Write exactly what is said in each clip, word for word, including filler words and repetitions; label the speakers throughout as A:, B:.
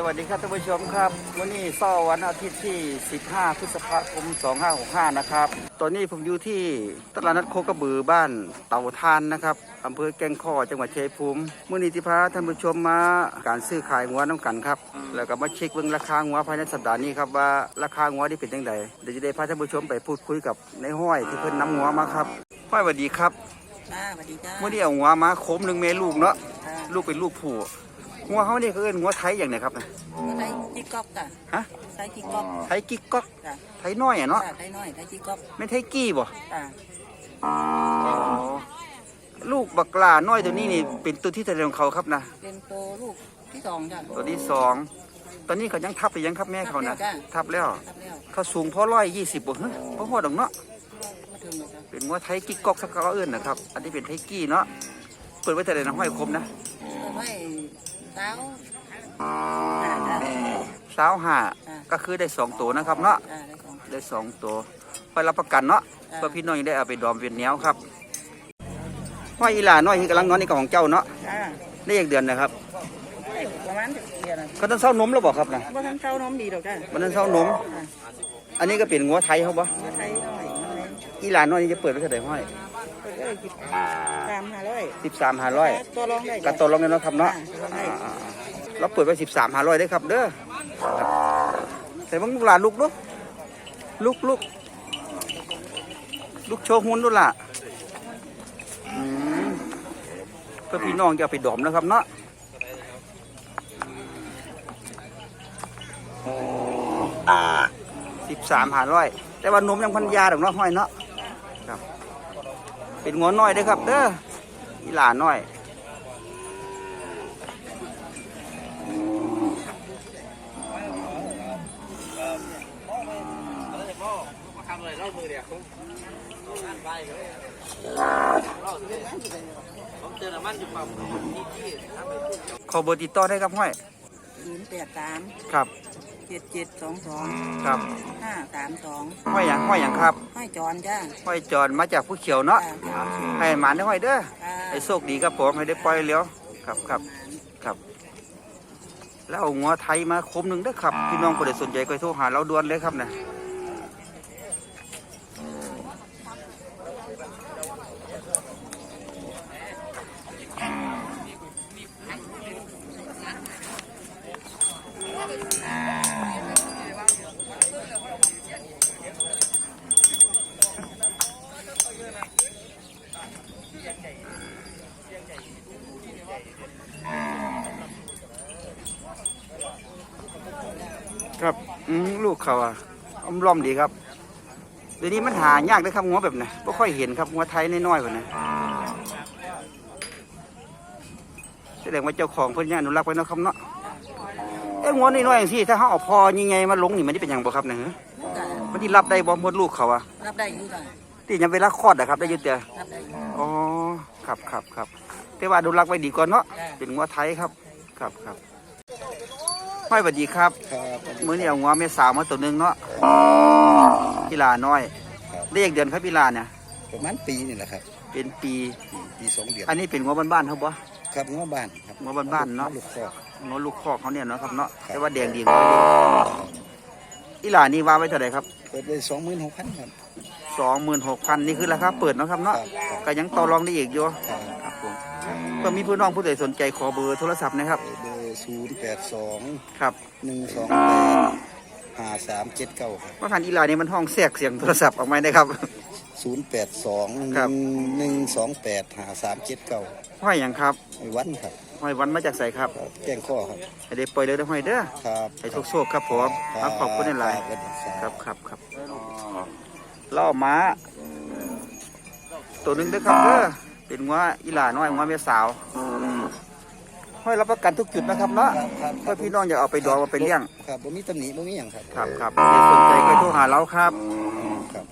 A: วัสดีครับท่านผู้ชมครับวันนี้เสาร์วันอาทิตย์ที่สิบห้าพฤษภาคมสองพันห้าร้อยหกสิบห้านะครับตอนนี้ผมอยู่ที่ตลาดนัดโคกระบือบ้านเต่าทานนะครับอำเภอแก่งข้อจังหวัดชัยภูมิมื้อนี้ที่พาท่านผู้ชมมาการซื้อขายงัวน้ำกันครับแล้วก็มาเช็คเบิ่งราคางัวภายในสัปดาห์นี้ครับว่าราคางัวที่เป็นจังไดเดี๋ยวจะได้พาท่านผู้ชมไปพูดคุยกับในห้อยที่เพิ่นนำงัวมาครับห้อยสวัสดีครับ
B: จ้าสวัสดีจ้า
A: มื้อนี้เอางัวมาโคมหนึ่งเมลูกเนาะลูกเป็นลูกผู้งัวเขาเนี่ยเขาเอิ้นงัวไทยอย่างไรครับนะ
B: งัวไทยกิ๊กก๊อกจ้ะ
A: ฮะ
B: ไทยกิ๊กก๊อก
A: ไทยกิ๊กก๊อก
B: จ้ะ
A: ไทยน้อยอ่ะเนาะ
B: ไทยน้อยไทยกิ๊กก๊อก
A: ไม่ไทยกี้บ่
B: จ้ะ
A: ลูกบักลาน้อยตัวนี้นี่เป็นตัวที่ทะเลของเขาครับนะ
B: เป็นตัวลูกที่สองจ้ะ
A: ตัวที่สองตอนนี้เขายังทับไปยังครับแม่เขานะทับแล้วเขาสูงพอร้อยยี่สิบบ่ฮะพอหอดอกเนาะเป็นงัวไทยกิ๊กก๊อกสักเขาเอิ้นนะครับอันนี้เป็นไทยกี้เนาะเปิดไว้แต่ไหนนะห้อยคมนะ
B: เปิดไว้สาว
A: สาวห้าก็คือได้สองตัวนะครับเนาะได้สองตัวคอยรับประกันเนาะเพื่อพี่น้องยังได้เอาไปดอมเวียนแนวครับห้อยอีหลาน้อยที่กำลังนอนนี่ของเจ้าเนาะได้อีกเดือนนะครับ
B: ประมาณเดือน
A: เขาต้องเศร้านมแล้วบอกครับนะ
B: ว่าท่านเศร้านมดีดอกจ้ะ
A: มันต้องเศร้านมอันนี้ก็เป็นงัวไทยเขาบ่
B: ไทยน้อย
A: อีหลาน้อยนี่จะเปิดไว้เท่าไหร่ห้อย
B: สิบสามห้าร้อย
A: สิบสามห้าร้อย
B: ตัวรองได้
A: กับตัวรองเนี่ยเนาะครับเนาะเราเปิดไว้สิบสามห้าร้อยได้ครับเด้อแต่บางลูกหลานลูกลูกลูกลูกลูกโชว์หุ่นดูล่ะเพื่อพี่น้องจะเอาไปดอมนะครับเนาะสิบสามห้าร้อยแต่ว่านมยังพันยาดอกเนาะห้อยเนาะครับเป็นงัวน้อยได้ครับเด้ออีหลาน้อยขอเบอร์ติดต่อได้ครับห้อย
B: ศูนย์แปดสาม
A: ครับ
B: เจ็ดเจ็ดสองสอง
A: ครับ
B: ห้าสามสอง
A: ห้อยอย่างห้อยอย่างครับ
B: ห้อยจอนจ้า
A: ห้อยจอนมาจากผู้เขียวเนาะให้หมานได้ห้อยเด้อให้โชคดีครับผมให้ได้ปล่อยเลี้ยวครับครับครับแล้วเอางัวไทยมาคมหนึ่งเด้อครับพี่น้องคนใดสนใจก็โทรหาเราด่วนเลยครับนะครับอืมลูกเขาอ่ะอ้อมล้อมดีครับเดี๋ยวนี้มันหายากเลยครับงัวแบบไหนไม่ค่อยเห็นครับงัวไทยน้อยๆแบบนี้แสดงว่าเจ้าของเพิ่นย่าอนุรักษ์ไว้นะครับเนาะเอ้งัวน้อยๆอย่างที่ถ้าเขาเอาพอยังไงมาลงนี่มันนี่เป็นอย่างบ่ครับเนี่ยมันที่รับได้บ่มดลูกเขาอ่ะ
B: รับได้อยู่จ้ะ
A: ที่ยังเวลาคลอดอะครับได้ยุติเดียอ๋อครับครับครับแต่ว่าอนุรักษ์ไว้ดีก่อนเนาะเป็นงัวไทยครับครับครับห้อยสวัสดีครับมื้อนี้เอางัวแม่สาวมาตัวนึงเนาะกีฬาน้อยได้อีกเดือนครับกีฬาเนี่ย
C: ประมาณปีนี่แหละครับ
A: เป็นปี
C: ปีสองเดือน
A: อันนี้เป็นงัวบ้านๆครับบ่
C: ครับงัวบ้านครับ
A: งัวบ้านๆเนาะ
C: ลูกคอก
A: งัวลูกคอกเขาเนี่ยเนาะครับเนาะแต่ว่าแดงดีงัวดีกีฬานี่ว่าไว้เท่าไหร่ครับ
C: เปิดไว้สองหมื่นหกพันครับ
A: สองหมื่นหกพันนี่คือราคาเปิดเนาะครับเนาะก็ยังต่อรองได้อีกอยู่ครับผมก็มีพี่น้องผู้ใดสนใจขอเบอร์โทรศัพท์นะครับ
C: เบอร์ศูนย์แปดสอง
A: ครับ
C: หนึ่งสองแปดห้าสามเจ็ดเก้าครับ
A: ว่าพันอีลานี่มันห้องแทรกเสียงโทรศัพท์ออกมาได้ครับ
C: ศูนย์แปดสองหนึ่งหนึ่งสองแปดห้าสามเจ็ดเก้า
A: ห้อยอย่างครับ
C: ห้อยวันครับ
A: ห้อยวันมาจากใส่ครับ
C: แจ้งข้อครับ
A: ให้ได้ปล่อยเลยได้ห้อยเด้อ
C: ครับ
A: ให้โชคๆครับผมขอบคุณในไลน์ครับครับครับล่อม้าตัวนึงเด้อครับเด้อเป็นงัวอีหลาน้อยงัวเมียสาวห้อยรับประกันทุกจุดนะครับเนาะเพื่อพี่น้องอยากเอาไปดองเอาไปเลี้ยง
C: ครับบ่มีตำหนิบ่มีอย่างครับ
A: ครับครับถ้าสนใจก็โทรหาเราครับ
C: ครับ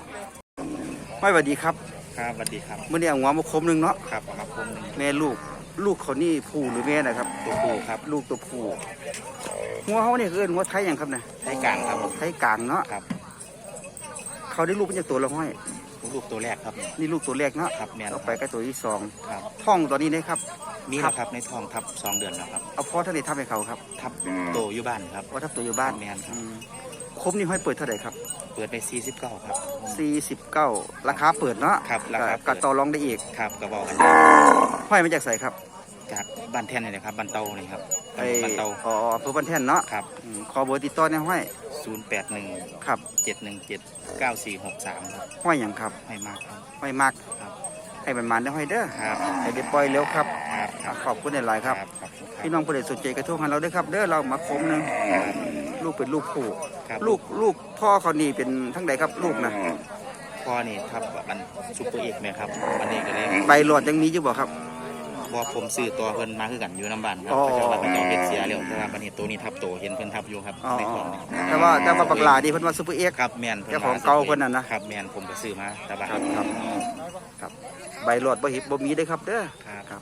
A: ไม่สวัสดีครับ
D: ครับสวัสดีครับ
A: เมื่อนี้เอางัวมาคมหนึ่งเนาะ
D: ครับมาคมหนึ่ง
A: แม่ลูกลูกเขานี่ผู้หรือแม่นะครับ
D: ตัวผู้ครับ
A: ลูกตัวผู้งัวเขาเนี่ยคือเอิ้นงัวไทยอย่างครับเนี่ย
D: ไทยกลางครับ
A: ไทยกลางเนาะ
D: ครับ
A: เขาได้ลูกเป็นจากตัวละห้อย
D: ลูกตัวแรกครับ
A: นี่ลูกตัวแรกเนาะ
D: ครับแม่น
A: ต่อไปก็ตัวที่สอง
D: ครับ
A: ท้องตอนนี้นะครับ
D: มีแล้วครับในท้องทับสองเดือนแล้วครับ
A: เอาพ่อท่านได้ทำให้เขาครับ
D: ทับโตอยู่บ้านครับ
A: ว่าทับตัวอยู่บ้าน
D: แม่นครับ
A: อืมคมนี่ห้อยเปิดเท่าไหร่ครับ
D: เปิดไปสี่สิบเก้าครับ
A: สี่สิบเก้าราคาเปิดเนาะ
D: ครับราคาเปิด
A: ก็ต่อรองได้อีก
D: ครับกระบอกกัน
A: ห้อยมาจากใส่ครับ
D: จากบ้านแท่นนี่นะครับบ้านเตานี่ครับ
A: ไอ้
D: บ้านเตา
A: อ๋ออำเภอบันแท่นเนาะ
D: ครับ
A: อืมขอเบอร์ติดต่อในห้อย
D: ศูนย์แปดหนึ่ง
A: ครับ
D: เจ็ดหนึ่งเจ็ดเก้าสี่หกสามครับ
A: ห้อยอย่างครับ
D: ให้มากครับ
A: ห้อยมาก
D: ครับ
A: ให้มันมันได้ห้อยเด้อ
D: ครับ
A: ให้เด็ดปล่อยเร็วครับ
D: ครับค
A: อ่ะ
D: รับ
A: ขอบคุณหลายๆครับ
D: ขอบคุณครับ
A: พี่น้องผู้ใดสนใจกระทู้หาเราด้วยครับ เด้อเรามาคมหนึงลูกเป็นลูกผู้
D: ครับ
A: ลูกลูกพ่อเขานี่เป็นทั้งใดครับลูกนะ
D: พ่อนี่ทับบันซุปเปอร์เอกไหมครับวันนี้ก็เลย
A: ใบหลอดยังมีอยู่บ่ครับ
D: ว่าผมซื้อตัวเพิ่นมาคือกันอยู่น้ำบ้านครับ
A: อ๋อ
D: เขาเจ้าว่าเขาเจ้าเป็นเสียแล้วแต่ว่าบันนี้ตัวนี้ทับโตเห็นเพิ่นทับอยู่ครับ
A: อ๋อ
D: ในท้องนี่
A: แต่ว่าแต่ว่าบักหลาดีเพิ่นว่าซุปเปอร์เอ็กซ์
D: ครับแมน
A: เจ้าของเก่าเพิ่นน่ะนะ
D: ครับแมนผมก็ซื้อมาแต่ว่า
A: ครับครับครับใบหลอดบ่เห็บบ่มีเด้อครับเด้อ
D: ครับ
A: ครับ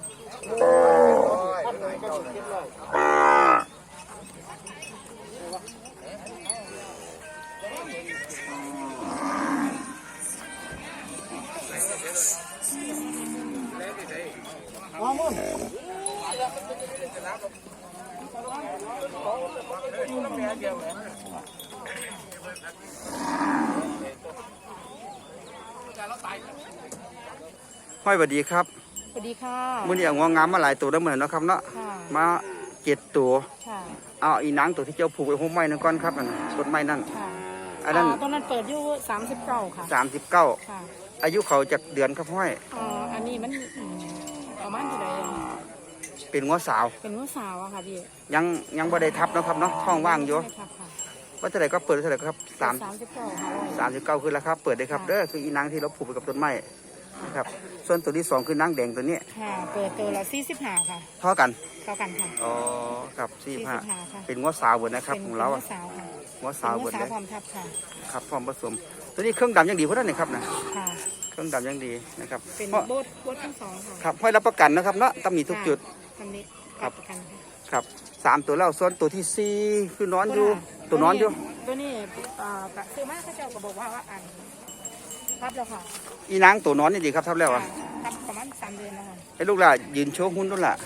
A: ห้อยสวัสดีครับ
E: สวัสดีค่ะ
A: มื้อนี้เอางวงงามมาหลายตัวแล้วเหมือนเนาะครับเนาะ
E: ค่ะ
A: มาเจ็ดตัว
E: ค่ะ
A: เอาอีนางตัวที่เจ้าผูกไว้ห่มไม้นั่นก่อนครับนั่นต้นไม้นั่น
E: ค่ะ
A: อันนั้น
E: าตอนนั้นเปิดอยู่สามสิบเก้าค่ะ
A: สามสิบเก้า
E: ค่ะ
A: อายุเขาจากเดือนครับห้อย
E: อ่าอันนี้มันอืมประมาณเท่าไหร่อะ
A: เป็นงัวสาว
E: เป็นลูกสาวอะค่ะพี่
A: ยังยังบ่ได้ทับเนาะครับเนาะท้องว่างอยู่
E: ไม่ครับค่ะ
A: ว่าเท่าไหร่ก็เปิดเท่าไหร่ครับสาม
E: สามสิบเก้าค่ะร้อย
A: สามสิบเก้าคือราคาเปิดได้ครับเด้อคืออีนางที่เราผูกไปกับต้นไม้นะครับส่วนตัวที่สองคือนางแดงตัวนี้
E: ค่ะ เปิดตัวละสี่สิบห้าค่ะ
A: เท่ากัน
E: เท่ากันค่ะ
A: อ๋อครับสี่ห้า
E: สี่สิบห้าค่ะ
A: เป็นงัวสาวเบิดนะครับ
E: เป็น
A: ของเรา
E: ลู
A: อะ
E: กสาวค่ะ
A: งัว
E: เป็
A: สาน ว
E: ลู
A: เบิ
E: ก
A: ด
E: สา
A: เล
E: วย พร้อมทับค่ะ
A: ครับพร้อมผสม ตัวนี้เครื่องดำยังดีเพราะนั่นนี่ครับนะ
E: ค่ะ
A: เครื่องดำยังดีนะครับ
E: เป็น
A: เพราะ
E: โบดโบดทั้งสองค่ะ
A: ครับห้อยรับประกันนะครับเนาะต้องมีทุกจุด
E: ตำหนิ
A: ครับ
E: ประกันค่ะ
A: ครับสามตัวแล้วส่วนตัวที่สี่คือนอนอยู่ตัวนอนอยู่
E: ตัวนี้อ่ากะซื้อมาเขาเจ้าก็บอกว่าว่าอันทับแล้วค่ะ
A: อีนางตัวนอนนี่ดีครับทับแล้วอะ
E: ทับประมาณสามเดือนแล้วค่ะ
A: ไอ้ลูกล่ะยืนโชว์หุ้นด้วยล่ะ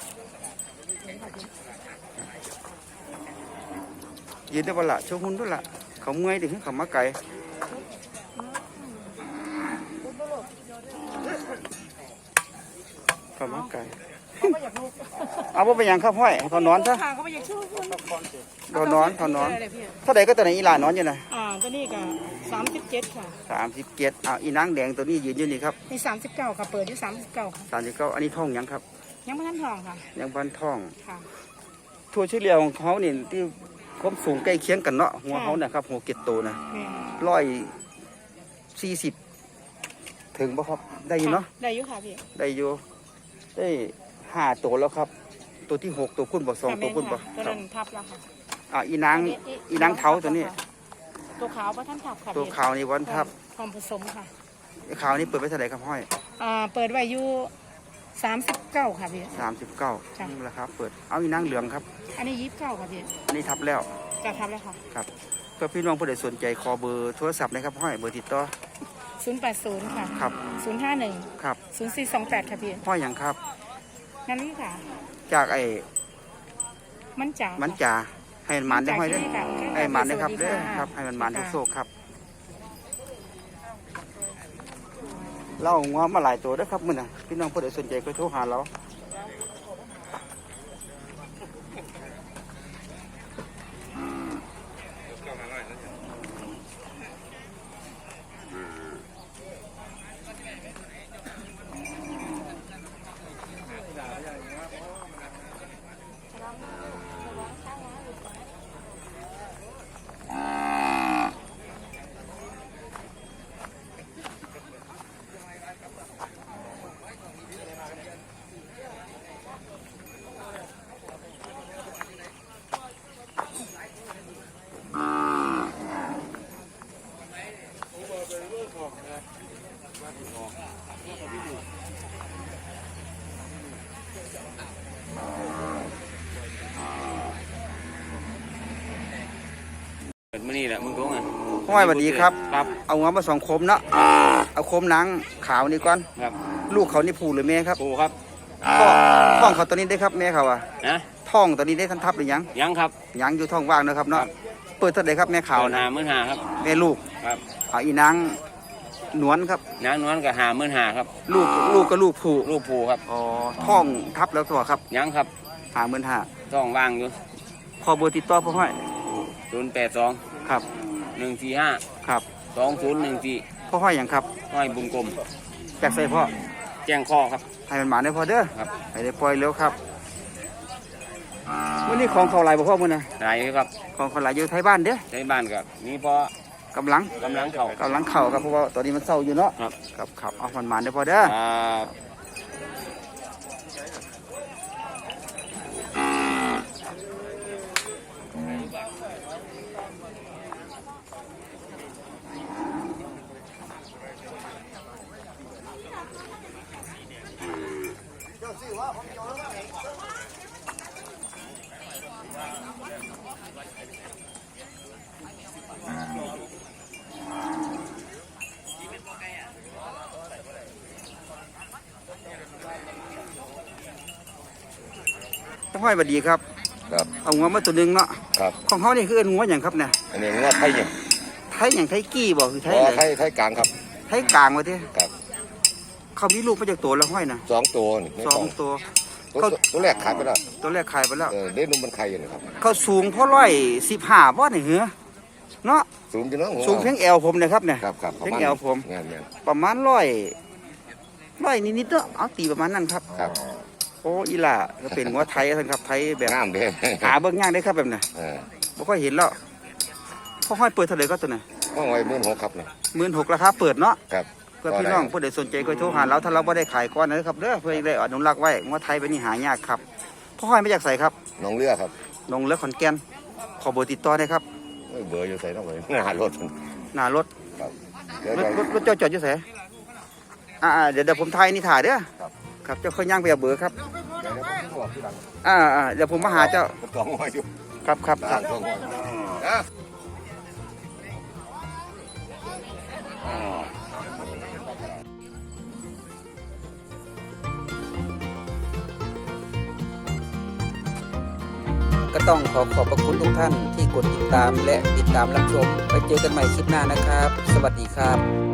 A: ยืนได้บ่ล่ะโชว์หุ้นด้วยล่ะเขาเมื่อยดิเขามาไกลเขามาไกล
E: เขาไม่อยากลูก
A: เอาว่าไปยังครับห้อยเขานอนซะ
E: ค่ะเขาไม่อยากช่วยคุณ
A: เขานอนเขานอน
E: เลยพี่
A: เท่าไหร่ก็ตัวไหนอีหลานอนอยู่นะ
E: อ่าตัวนี้ก็สามสิบเจ็ดค่ะ
A: สามสิบเจ็ดอ่าอีนางแดงตัวนี้ยืนอยู่นี่ครับ
E: มีสามสิบเก้าค่ะ เปิดอยู่สามสิบเก้าค่ะ
A: สามสิบเก้าอันนี้ท้องยังครับ
E: ยังไม่ทันทองค่ะ
A: ยังบ้านท้อง
E: ค่ะ
A: ทั่วเฉลี่ยของเขานี่ที่ความสูงใกล้เคียงกันเนาะหัวเขาเนี่ยครับหัวเกตโตนะ
E: แม่
A: ร้อยสี่สิบถึงป่ะครับได้อยู่เนาะ
E: ได้อยู่ค่ะพี่
A: ได้อยู่ได้ห้าตัวแล้วครับ ตัวที่หกตัวคุณบอกสองตัวคุณบอก
E: ตัวนั้นทับแล้วค่ะ
A: อ่าอีนางอีนางเท้าตัวนี้
E: ตัวขาวพระท่านทับค่ะ
A: ตัวขาวนี่วันทับ
E: พร้อมผสมค่ะ
A: ไอ้ขาวนี่เปิดไว้เท่าไหร่ครับห้อย
E: อ่าเปิดไว้อยู่สามสิบเก้าค่ะพี่
A: สามสิบเก้า
E: จ้ะ
A: นี่แหละครับเปิดเอาอีนางเหลืองครับ
E: อันนี้ยี่สิบเก้าค่ะพี่
A: อันนี้ทับแล้ว
E: จะทับแล้วค่ะ
A: ครับเพื่อพี่น้องผู้ใดสนใจขอเบอร์โทรศัพท์นะครับห้อยเบอร์ติดต่อ
E: ศูนย์แปดศูนย์ค่ะ
A: ครับ
E: ศูนย์ห้าหนึ่ง
A: ครับ
E: ศูนย์สี่สองแปดค่ะพี่
A: ห้อยอย่างครับ
E: นั่นค่ะ
A: จากไอ้
E: มันจ๋า
A: มั
E: มัน
A: จ่าให้มันมันได้ห้อยเด้อ
E: ค่ะ
A: ให้มันนะครับ
E: สวัส
A: เด้อ
E: ค่ะ
A: ครับให้มันมันทุกโซกครับเราเอางอมาหลายตัวเด้อครับมื้อน่ะพี่น้องผู้ใดสนใจก็โทรหาเราห้อยสวัสดีครับ
D: ครับ
A: เอางัวมาสองโคมเนาะเอาโคมหนังขาวนี่ก่อน
D: ครับ
A: ลูกเขานี่ผูหรือแม่ครับ
D: ปูครับ
A: ท้องท้องเขาตัวนี้ได้ครับแม่เขาอะ
D: นะ
A: ท้องตัวนี้ได้ทันทับหรือยัง
D: ยังครับ
A: ยังอยู่ท้องว่างนะครับเนาะเปิดเท่าไหร่ครับแม่ขาว
D: หา
A: นะ
D: หมื่นหาครับ
A: แม่ลูก
D: ครับ
A: เอาอีนางหนวลครับ
D: นางนวลกับหาหมื่นหาครับ
A: ลูกลูกก็ลูกผู
D: ลูกปูครับ
A: อ๋อท้องทับแล้วตัวครับ
D: ยังครับ
A: หาหมื่นห้า
D: ต้องว่างอยู่
A: พอเบอร์ติดต่อพ่อห้อย
D: ศูนย์แปดสอง
A: ครับ
D: หนึ่งสี่ห้า
A: ครับ
D: สองศูนย์หนึ่งสี่
A: พ่อห้อยอย่างครับ
D: ห้อยบุญกลม
A: แจกใส่พ่อ
D: แจ้งข้อครับ
A: ให้มันหมาได้พอเด้อ
D: ครับ
A: ให้ได้ปล่อยเร็วครับวันนี้ของเขาหลายบ่พ่อมื้อนะ
D: ได้ครับ
A: ของเขาหลายอยู่ไทยบ้านเด้อ
D: ใช้บ้านกับมีพอก
A: ำลัง
D: กำลังเข่าก
A: ำลังเข่าครับเพราะว่าตอนนี้มันเศร้าอยู่เนาะ
D: ครับ
A: ครับครับเอามันหมาได้พอเด้อ
D: ครับ
A: พ่อห้อยสวัสดีครับ
C: ครับ
A: เอางัวมาตัวหนึงเนาะ
C: ครับ
A: ของเขานี่คือเอิ้นงัวอย่างครับเนี่ย
C: อันนี้งวดไทยยัง
A: ไทยอย่างไทยกี้บ่คือไทย
C: อ๋อ
A: อะไร
C: ไทยไทยกลางครับ
A: ไทยกลางวะที่
C: ครับ
A: เขามีลูกมาจากตัวแล้วห้อยนะ
C: สองตัวนี่ไม่
A: สอง
C: ต้อง
A: ตัว
C: ตัว
A: เขา
C: ตัวแรกขายไปแล้ว
A: ตัวแรกขายไปแล้ว
C: เออเด่นนุ่มมันไข่อยู่นะครับ
A: เขาสูงเพราะร้อยสิบห้าบ่เนี่ยเหรอเนาะ
C: สูงจังเนาะ
A: สูงเพียงแอวผมนะครับเนี่ย
C: ครับครับ
A: เพียงแอวผม
C: งานงาน
A: ประมาณร้อยร้อยนิดๆเนาะเอาตีประมาณนั้นครับ
C: ครับ
A: โอ้อีหล่าก็เป็นงัวไทยท่านครับไทยแบบ
C: งามเด้
A: หาเบิ่งยากได้ครับแบบน่ะ
C: เออ
A: บ่ค่อยเห็นแล้วพ่อห้อยเปิดเท่าไหร่ก็ตัวน่ะ
C: ห้องไว้หมื่นหกครับเนี่ย
A: หมื่นหกราคาเปิดเนาะ
C: ครับ
A: เพื่อพี่น้องผู้ใดสนใจก็โทรหาเราถ้าเราบ่ได้ขายก้อนนะครับเด้อเพื่อได้อนุรักษ์ไว้งัวไทยเป็นนี่หายากครับพ่อห้อยมาจากไสครับ
C: น้องเรือครับ
A: ลงเลือขอนแก่นขอเบอร์ติดต่อได้ครับ
C: เอ้ยเบอร์อยู่ใส่น้องเลยหารถมัน
A: หน้ารถ
C: ครับเดี๋ยว
A: รถ
C: เดี๋ยว
A: รถรถเจ้าจอดอยู่ไสอ่าๆเดี๋ยวเดี๋ยวผมถ่ายนี่ถ่ายเด้อ
C: ครับ
A: ครับเจ้าค่อยย่างไปเอาเบอร์ครับ
C: เดี๋ยวผมบอกทีหลัง
A: อ่าๆเดี๋ยวผมมาหาเจ้า
C: ผมต้องไว้อยู่
A: ครับครับค
C: ร้า
A: รับ
C: นต้องไว้นะ
A: ก็ต้องขอขอบพระคุณทุกท่านที่กดติดตามและติดตามรับชมไปเจอกันใหม่คลิปหน้านะครับ สวัสดีครับ